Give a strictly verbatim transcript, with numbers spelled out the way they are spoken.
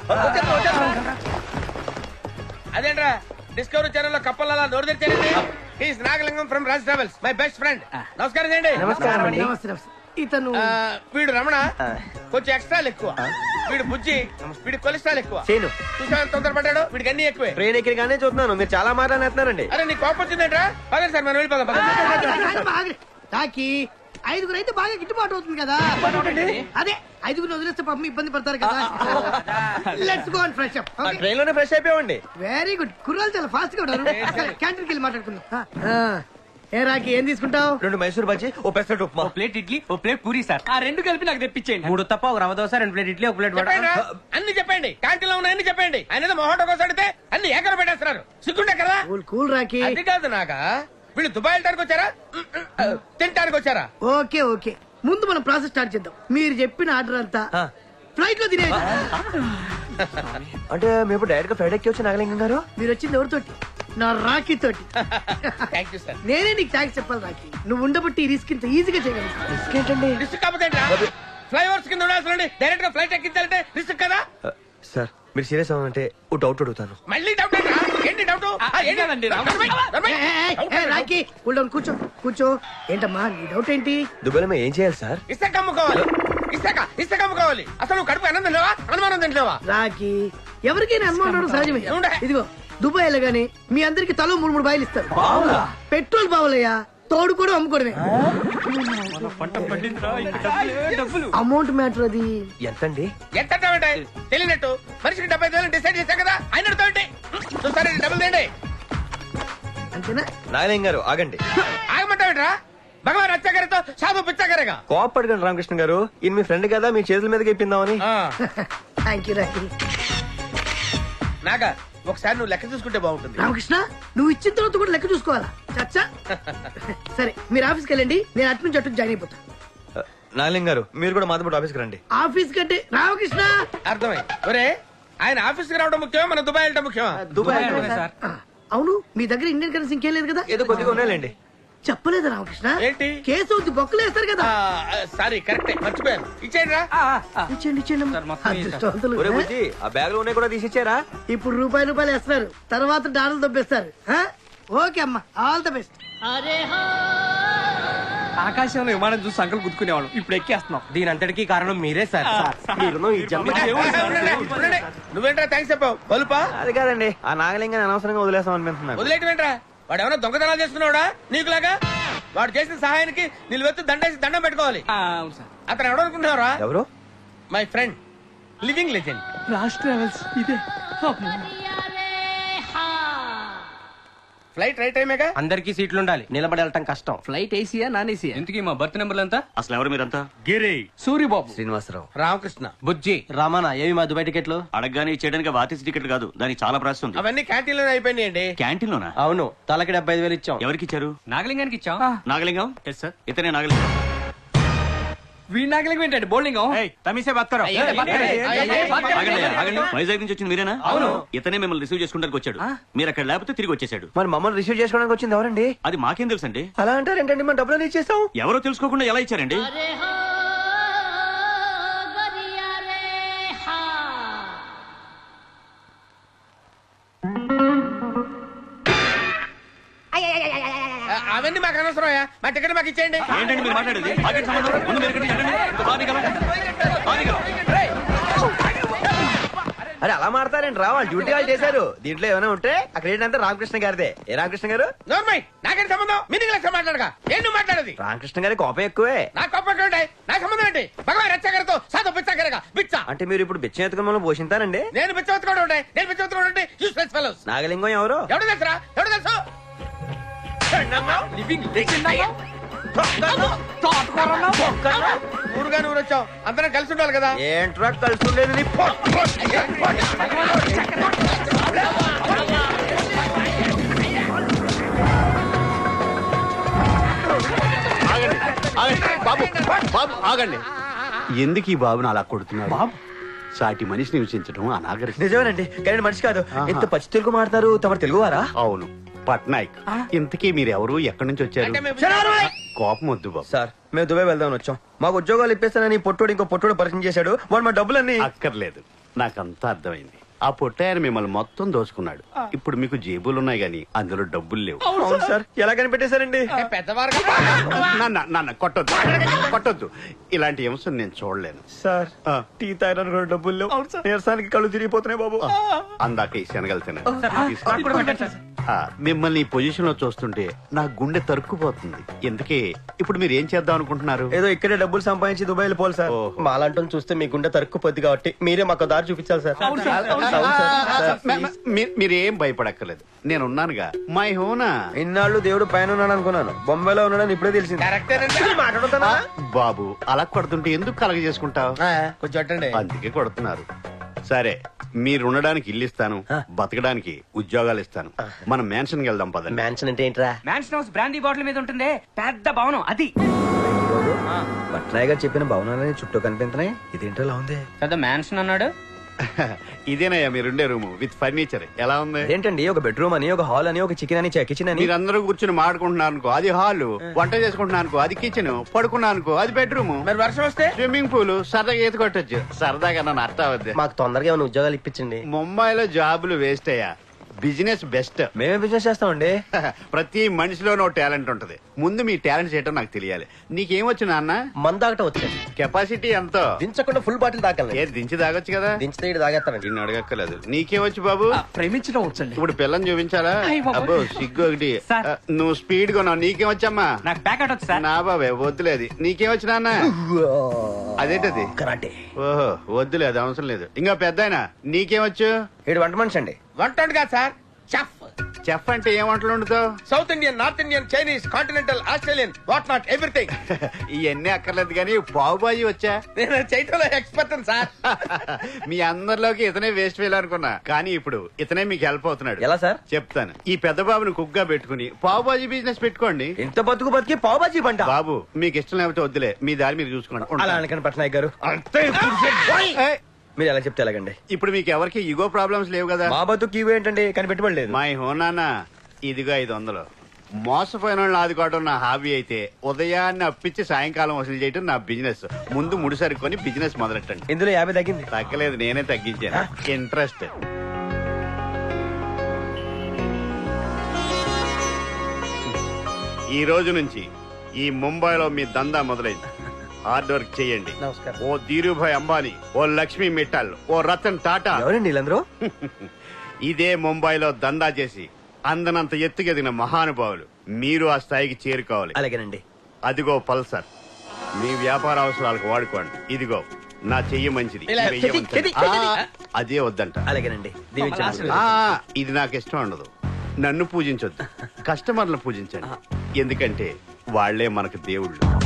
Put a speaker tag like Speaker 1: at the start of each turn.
Speaker 1: అదేంట్రా discovery channel లో కప్పల నోరు తెచ్చారండి. He's Nagalingam from Raj Travels, my best friend. నమస్కారం చేయండి.
Speaker 2: నమస్కారం. ఇతను
Speaker 1: వీడు రమణ, కొంచెం ఎక్స్ట్రాలు ఎక్కువ. వీడు బుజ్జి, వీడి కొలెస్ట్రాల్ ఎక్కువ. చూసా తొందరపడ్డాడు, వీడికి అన్ని ఎక్కువే.
Speaker 3: ట్రైన్ ఎక్కడిగానే చూస్తున్నాను, మీరు చాలా మాట్లాడుతున్నారండి.
Speaker 1: అరే నీ కోపం వచ్చిందేంట్రా? పదండి సార్ మనం వెళ్ళిపోదాం.
Speaker 2: తాకి ఐదుగురు అయితే బాగా గిట్టుబాటు అవుతుంది కదా. అదే ఐదుగురు వదిలేస్తే పాపం ఇబ్బంది పడతారు కదా. Let's go and fresh up.
Speaker 3: Train లోనే ఫ్రెష్ అయిపోయామండి.
Speaker 2: Very good. కుర్రాలు చాలా ఫాస్ట్ గా ఉన్నారు. క్యాంటీన్కి వెళ్ళి మాట్లాడుకుందాం. ఏ రాకి ఏం తీసుకుంటావు?
Speaker 3: రెండు మైసూర్ బజ్జీ, ఓ పెసరట్టు ఉప్మా,
Speaker 4: ప్లేట్ ఇడ్లీ, ఓ ప్లేట్ పూరి సార్. ఆ రెండు కలిపి నాకు తెప్పించేయండి. మూడు తప్ప ఒక రవ దోశ, రెండు ప్లేట్ ఇడ్లీ, ఒక ప్లేట్ వడ.
Speaker 1: అన్ని చెప్పండి, క్యాంటీన్ లో ఉన్నాయని చెప్పండి. ఆయన మొహోటో కోసం అడిగితే అన్ని ఏకర పెట్టేస్తున్నారు. సిగ్గుంటే కదా.
Speaker 2: Cool cool Rocky.
Speaker 1: అది కాదు నాగా, వీళ్ళు దుబాయ్ వెళ్ళడానికి వచ్చారా తినడానికి వచ్చారా?
Speaker 2: ఓకే ఓకే, ముందు మనం ప్రాసెస్ స్టార్ట్ చేద్దాం. మీరు చెప్పిన ఆర్డర్ అంతా ఫ్లైట్ లో తినే.
Speaker 3: అంటే మేము డైరెక్ట్ గా ఫ్లైట్ ఎక్కి వచ్చి నాగలింగం గారు.
Speaker 2: మీరు వచ్చింది ఎవరితోటి? నా రాఖీ తోటి. నేనే నీకు థ్యాంక్స్ చెప్పాలి రాఖీ. నువ్వు ఉండబట్టి ఈ రిస్క్ ఇంత ఈజీగా చేయగలుగుతావు.
Speaker 3: రిస్క్ ఏంటండి?
Speaker 1: రిస్క్ కాకపోతే ఫ్లైఓవర్స్ కింద ఉండాల్సిన డైరెక్ట్ గా ఫ్లైట్ ఎక్కించాలంటే రిస్క్ కదా.
Speaker 3: సార్ మీరు సీరియస్ అవ్వాలంటే ఓ డౌట్ అడుగుతాను.
Speaker 1: మళ్ళీ డౌట్ ఏంటి? డౌట్
Speaker 2: రాఖీ కూల్ డౌన్, కూర్చో కూర్చో. ఏంటమ్మా నీ డౌట్ ఏంటి?
Speaker 3: దుబాయ్ లో ఏం చేయాలి సార్?
Speaker 1: ఇసుక అమ్ముకోవాలి. ఇసుక ఇసుక అమ్ముకోవాలి. అసలు నువ్వు కడుపు అన్నం తినలేవా? అనుమానం తినలేవా?
Speaker 2: రాఖీ ఎవరికైనా అనుమానం సహజమే. ఇదిగో దుబాయ్ వెళ్ళగానే మీ అందరికి తలో మూడు మూడు బాయిలు ఇస్తారు. పెట్రోల్ బావులయ్యా, తోడు కూడా అమ్ముకోవడమే. అమౌంట్ మ్యాటర్ అది.
Speaker 3: ఎంతండి?
Speaker 1: ఎంత తెలియనట్టు మనిషికి డెబ్బై ఐదు వేలు డిసైడ్ చేశాం కదా. ఆయన చూసారా డబ్బులు తేండి.
Speaker 2: అంతేనా?
Speaker 3: నాగలింగం గారు ఆగండి.
Speaker 1: ఆగమంటావేట్రా? భగవాన్ రచ్చగారితో సాధు పిచ్చగారేగా.
Speaker 3: కోపడకండి రామకృష్ణ గారు, ఈయన మీ ఫ్రెండ్ కదా, మీ చేతుల మీదకి ఇప్పిందామని.
Speaker 2: Thank you Rocky.
Speaker 1: నాగా ఒకసారి నువ్వు లెక్క చూసుకుంటే బాగుంటుంది.
Speaker 2: రామకృష్ణ నువ్వు ఇచ్చిన తర్వాత కూడా లెక్క చూసుకోవాలా? చచ్చా. సరే మీరు ఆఫీస్కి వెళ్ళండి, నేను అటు నుంచి అటు జాయిన్ అయిపోతా.
Speaker 3: నాగలింగం గారు మీరు కూడా మాతో పాటు ఆఫీస్కి రండి.
Speaker 2: ఆఫీస్ కంటే రామకృష్ణ.
Speaker 1: అర్థమై ఒరే, ఆయన ఆఫీస్కి రావడం ముఖ్యమా మన దుబాయ్ వెళ్ళడం ముఖ్యమా?
Speaker 3: దుబాయ్.
Speaker 2: అవును, మీ దగ్గర ఇండియన్ కరెన్సీ ఇంకేం లేదు కదా?
Speaker 3: ఏదో కొద్దిగా ఉన్నాయండి.
Speaker 2: చెప్పలేదా రామకృష్ణ?
Speaker 1: ఏంటి?
Speaker 2: కేసు అవుతుంది, బొక్కలు వేస్తారు కదా.
Speaker 1: సారీ కరెక్టే, మర్చిపోయాను. ఇచ్చేయండి రా.
Speaker 2: ఇచ్చేయండి ఇచ్చేయండి.
Speaker 3: ఒరే బుజ్జి, ఆ బ్యాగ్ లో ఉన్నాయి కూడా తీసిచ్చారా?
Speaker 2: ఇప్పుడు రూపాయలు రూపాయలు వేస్తున్నారు, తర్వాత డాలర్లు దొబ్బేస్తారు. ఓకే అమ్మా, ఆల్ ద బెస్ట్.
Speaker 4: ఆకాశంలో విమానం చూసి సంకలు గుర్తుకునేవాళ్ళం, ఇప్పుడు ఎక్కేస్తున్నాం. దీని అంతటికీ కారణం మీరే సార్.
Speaker 1: నువ్వేంట్రా థ్యాంక్స్ చెప్పావు? బలుపా?
Speaker 3: అది కాదండి, ఆ నాగలింగాన్ని అనవసరంగా వదిలేస్తాం అనిపిస్తున్నాను.
Speaker 1: వదిలేటమేంట్రా? వాడు ఏమైనా దొంగతనాలు చేస్తున్నాడా నీకులాగా? వాడు చేసిన సహాయానికి నిలువెత్తు దండేసి దండం పెట్టుకోవాలి. అతను ఎవడు అనుకుంటున్నారా?
Speaker 3: ఎవరు?
Speaker 1: My friend, living legend,
Speaker 4: Raj Travels. ఇదే
Speaker 1: ఫ్లైట్ రైట్ టైమేగా.
Speaker 4: అందరికి సీట్లు ఉండాలి, నిలబడి వెళ్ళటం కష్టం. ఫ్లైట్ ఏసీయా నాన్ ఏసీయా? ఎందుకు మా బర్త్ నెంబర్లు ఎంత?
Speaker 5: అసలు ఎవరు మీరంతా?
Speaker 4: గిరి, సూరిబాబు,
Speaker 3: శ్రీనివాసరావు,
Speaker 1: రామకృష్ణ,
Speaker 4: బుజ్జి, రమణ. ఏవి మా దుబాయ్ టికెట్లు?
Speaker 5: అడగగానే చేయడానికి ఆర్టీసీ టికెట్ కాదు, దానికి చాలా ప్రాసెస్ ఉంది.
Speaker 1: అవన్నీ క్యాంటీన్ లోనే అయిపోయినాయండి.
Speaker 5: క్యాంటీన్ లోనా?
Speaker 4: అవును, తలకి డెబ్బై ఐదు వేలు ఇచ్చాం.
Speaker 5: ఎవరికి ఇచ్చారు?
Speaker 4: నాగలింగానికి ఇచ్చాం.
Speaker 5: నాగలింగం? Yes sir. ఇతనే నాగలింగం.
Speaker 4: వీడి నాగలింగం ఏంటంటే బౌలింగం.
Speaker 5: వైజాగ్ నుంచి వచ్చింది మీరేనా? అవును. ఇతనే మిమ్మల్ని రిసీవ్ చేసుకోవడానికి వచ్చాడు. మీరు అక్కడ లేకపోతే తిరిగి వచ్చేసాడు.
Speaker 3: మరి మమ్మల్ని రిసీవ్ చేసుకోవడానికి వచ్చింది ఎవరండి?
Speaker 5: అది మాకేం తెలుసు అండి.
Speaker 3: అలా అంటారు ఏంటండి? మన డబ్బులు ఇచ్చేస్తాం.
Speaker 5: ఎవరో తెలుసుకోకుండా ఎలా ఇచ్చారండి?
Speaker 1: అవన్నీ మాకు అనవసరం, మా టికెట్ మాకు ఇచ్చేయండి.
Speaker 5: ఏంటండి మీరు మాట్లాడేది? మాకేం సంబంధం? ముందు మీరు ఎక్కడికి వెళ్ళండి. ఇంకా బాగా దిగలం. బాగా దిగలం.
Speaker 3: అరే అలా మాడతారండి రా, వాళ్ళు డ్యూటీ వాళ్ళు చేశారు. దీంట్లో ఏమైనా ఉంటే అక్కడ ఏంటంటే రామకృష్ణ గారిదే. ఏ రామకృష్ణ గారు?
Speaker 1: నోర్మై, నాకేం సంబంధం? మీనింగ్ లెక్క మాట్లాడగా ఏం నువ్వు మాట్లాడేది?
Speaker 3: రామకృష్ణ గారి కోపం ఎక్కువే.
Speaker 1: నా కోపం ఉంటాయి, నా సంబంధం ఏంటి? భగవాన్ రచ్చగారితో సాధు పిచ్చగారిగా బిచ్చ.
Speaker 3: అంటే మీరు ఇప్పుడు బిచ్చం ఎత్తుకుని మనం పోషింతారండి?
Speaker 1: నేను బిచ్చవెత్తుకోవడం ఉంటాయి, నేను బిచ్చవెత్తుకోవడం ఉంటాయి. Useless fellows.
Speaker 3: నాగలింగం ఎవరు?
Speaker 1: ఎవడు తెలుసురా? ఎవడు తెలుసు? ఊరుగా ఊరు వచ్చావు, అందరం కలిసి ఉండాలి కదా.
Speaker 3: ఏంట్రా కలిసి ఉండేది?
Speaker 6: బాబు బాబు ఆగండి. ఎందుకు ఈ బాబుని అలా కొడుతున్నారు? బాబు సాటి మనిషిని హింసించడం అనాగరికం.
Speaker 3: నిజమేనండి, కానీ మనిషి కాదు. ఎంత పచ్చి తెలుగు మాట్లాడతారు. తమరు తెలుగువారా?
Speaker 6: అవును, పట్నాయక్. ఇంతకీ మీరు ఎవరు, ఎక్కడి నుంచి వచ్చారు? కోపం వద్దు బాబు.
Speaker 3: సార్ మేము దుబాయ్ వెళ్దామని వచ్చాం. మాకు ఉద్యోగాలు ఇప్పిస్తానని పొట్టోడు ఇంకో పొట్టోడు పరిచయం చేశాడు. వాడు మా డబ్బులన్నీ.
Speaker 6: అక్కర్లేదు, నాకంతా అర్థమైంది. ఆ పొట్టాయన మిమ్మల్ని మొత్తం దోచుకున్నాడు. ఇప్పుడు మీకు జేబులు ఉన్నాయి గాని అందులో డబ్బులు లేవు.
Speaker 3: అవును సార్, ఎలా కనిపెట్టేశారండి?
Speaker 1: ఏ, పెద్దవారు కదా.
Speaker 6: నాన్న నాన్న కొట్టొద్దు కొట్టొద్దు, ఇలాంటి అంశం నేను చూడలేను.
Speaker 3: సార్
Speaker 6: ఆ.
Speaker 3: టీ తాగడానికి కూడా డబ్బులు లేవు. నీరసానికి కళ్ళు తిరిగిపోతున్నాయి బాబు.
Speaker 6: అందాక ఈ శనగలు తిన్నాను.
Speaker 4: నాకు కూడా పెట్టండి సార్.
Speaker 6: ఆ, మిమ్మల్ని ఈ పొజిషన్ లో చూస్తుంటే నా గుండె తరుక్కుపోతుంది. ఎందుకే ఇప్పుడు మీరు ఏం చేద్దాం అనుకుంటున్నారు?
Speaker 3: ఏదో ఇక్కడే డబ్బులు సంపాదించి దుబాయ్ వెళ్ళిపోవాలి సార్.
Speaker 6: ఓహో.
Speaker 3: మాలంటూ చూస్తే మీ గుండె తరుక్కుపోద్ది కాబట్టి మీరే మాకు దారి చూపించాలి సార్. అవును సార్, అవును సార్.
Speaker 6: మ- మ- మీ- మీరేం భయపడక్కర్లేదు, నేను ఉన్నానుగా. మై హోనా.
Speaker 3: ఇన్నాళ్ళు దేవుడు పైన ఉన్నాడు అనుకున్నాను, బొంబాయిలో ఉన్నాడని ఇప్పుడే తెలిసింది.
Speaker 1: కరెక్టేనండి.
Speaker 3: మాట్లాడుతానా?
Speaker 6: బాబు అలా కొడుతుంటే ఎందుకు కలగ చేసుకుంటావు?
Speaker 1: ఆ, కొంచెం అట్టండి.
Speaker 6: అందుకే కొడుతున్నారు. సరే, మీరు ఉండడానికి ఇల్లు ఇస్తాను, బతకడానికి ఉద్యోగాలు ఇస్తాను. మనం మ్యాన్షన్ వెళ్దాం పదండి.
Speaker 3: మ్యాన్షన్ అంటే ఏంట్రా?
Speaker 4: మ్యాన్షన్ హౌస్ బ్రాండీ బాటిల్ మీద ఉంటుంది పెద్ద భవనం అది.
Speaker 3: పట్నాయ్ గారు చెప్పిన భవనాలని చుట్టూ కనిపించినాయి, ఇదేంటో ఇలా ఉంది.
Speaker 4: పెద్ద మ్యాన్షన్ అన్నాడు.
Speaker 6: ఇదేనయ్యా మీరుండే రూమ్ విత్ ఫర్నిచర్. ఎలా ఉంది?
Speaker 3: ఏంటండి ఒక బెడ్రూమ్ అని, ఒక హాల్ అని, ఒక చికెన్ అని, కిచెన్ అని.
Speaker 6: మీరందరూ కూర్చుని మాడుకుంటున్నారు అనుకో, అది హాల్. వంట చేసుకుంటున్నాను అనుకో, అది కిచెన్. పడుకున్నాను అనుకో, అది బెడ్రూమ్.
Speaker 1: మరి వర్షం వస్తే
Speaker 6: స్విమ్మింగ్ పూల్. సరదాగా ఈత కొట్టొచ్చు. సరదాగా నన్ను అర్థం అవద్దు.
Speaker 3: మాకు తొందరగా ఏమైనా ఉద్యోగాలు ఇప్పించండి.
Speaker 6: ముంబైలో జాబులు వేస్ట్ అయ్యా, బిజినెస్ బెస్ట్.
Speaker 3: మేమే బిజినెస్ చేస్తామండి.
Speaker 6: ప్రతి మనిషిలోనో టాలెంట్ ఉంటది. ముందు మీ టాలెంట్ ఏంటో నాకు తెలియాలి. నీకేమొచ్చు నాన్న?
Speaker 3: మందాకట వచ్చాను,
Speaker 6: కెపాసిటీ ఎంతో?
Speaker 3: దించకుండా ఫుల్ బాటిల్ తాగలను.
Speaker 6: ఏది దించి తాగొచ్చు కదా.
Speaker 3: దించితే ఇటు తాగేస్తానండి.
Speaker 6: నిన్ను అడగక్కర్లేదు. నీకేమొచ్చు బాబు?
Speaker 4: ప్రేమించడం వచ్చండి.
Speaker 6: ఇప్పుడు పిల్లని చూపించాలా?
Speaker 4: అయ్ బాబోయ్.
Speaker 6: అబ్బో సిగ్గు ఒకటి.
Speaker 4: సార్.
Speaker 6: ఆ, నువ్వు స్పీడ్ కొన్నావు, నీకేమొచ్చమ్మా?
Speaker 4: నాకు ప్యాకెట్ వచ్చు సార్.
Speaker 6: నా బాబే వద్దులేదు. నీకేమొచ్చు నాన్న? అదేంటది?
Speaker 3: కరాటే.
Speaker 6: ఓహో వద్దులేదు, అవసరం లేదు. ఇంకా పెద్దాయన నీకేమొచ్చు?
Speaker 3: ఏడు వంట మనిషి అండి.
Speaker 1: వంట వండు కాదు సార్, చెఫ్.
Speaker 6: చెఫ్ అంటే ఏం వంటలు వండుతావు?
Speaker 1: South Indian, north Indian, Chinese, continental, Australian, what not everything.
Speaker 6: ఇవన్నీ అక్కర్లేదు కానీ పావు బాజీ వచ్చా?
Speaker 1: నేను చేయటంలో ఎక్స్పర్ట్ సార్.
Speaker 6: మీ అందరిలోకి ఇతనే వేస్ట్ ఫెయిల్ అనుకున్నా, కానీ ఇప్పుడు ఇతనే మీకు హెల్ప్ అవుతున్నాడు.
Speaker 3: ఎలా సార్?
Speaker 6: చెప్తాను. ఈ పెద్ద బాబుని కుక్ గా పెట్టుకుని పావు బాజీ బిజినెస్ పెట్టుకోండి.
Speaker 3: ఇంత బతుకు బతికి పావు బాజీ పంట.
Speaker 6: బాబు మీకు ఇష్టం లేకపోతే వద్దులే, మీ దారి మీరు చూసుకోండి.
Speaker 3: అలా
Speaker 6: ఉంటాను.
Speaker 3: అనకండి పట్నాయక్ గారు.
Speaker 6: ఏయ్,
Speaker 3: మీరు ఎలా చెప్తే ఎలాగండి?
Speaker 6: ఇప్పుడు మీకు ఎవరికి ఇగో ప్రాబ్లమ్స్ లేవు కదా?
Speaker 3: మా బతుకు ఇవి ఏంటండి, కనిపెట్టబడలేదు.
Speaker 6: మై హోనానా, ఇదిగో ఐదు వందలు. మోసపోయిన వాళ్ళని ఆదుకోవడం నా హాబీ అయితే ఉదయాన్నే అప్పించి సాయంకాలం వసూలు చేయడం నా బిజినెస్. ముందు ముడి సరుకొని బిజినెస్ మొదలెట్టండి.
Speaker 3: ఇందులో యాభై తగ్గింది.
Speaker 6: తగ్గలేదు, నేనే తగ్గించాను. ఇంట్రెస్ట్. ఈ రోజు నుంచి ఈ ముంబైలో మీ దందా మొదలైంది. హార్డ్ వర్క్ చేయండి.
Speaker 3: నమస్కారం.
Speaker 6: ఓ ధీరుభాయ్ అంబానీ, ఓ లక్ష్మీ మిట్టల్, ఓ రతన్ టాటా.
Speaker 3: ఎవరండి వీళ్ళందరూ?
Speaker 6: ఇదే ముంబైలో దందా చేసి అందనంత ఎత్తుకెదిగిన మహానుభావులు. మీరు ఆ స్థాయికి చేరుకోవాలి.
Speaker 3: అలాగేనండి.
Speaker 6: అదిగో పల్సర్, మీ వ్యాపార అవసరాలకు వాడుకోండి. ఇదిగో నా చెయ్యి మంచిది.
Speaker 1: ఇలా
Speaker 6: వెయ్యి
Speaker 3: చెయ్యి,
Speaker 6: ఉంచండి.
Speaker 3: చెయ్యి,
Speaker 6: ఆ, అదే వద్దంట.
Speaker 3: అలాగేనండి. దీవించండి.
Speaker 6: ఆ, ఇది నాకు ఇష్టం ఉండదు. నన్ను పూజించొద్దు, కస్టమర్లను పూజించండి. ఎందుకంటే వాళ్లే మనకు దేవుళ్ళు.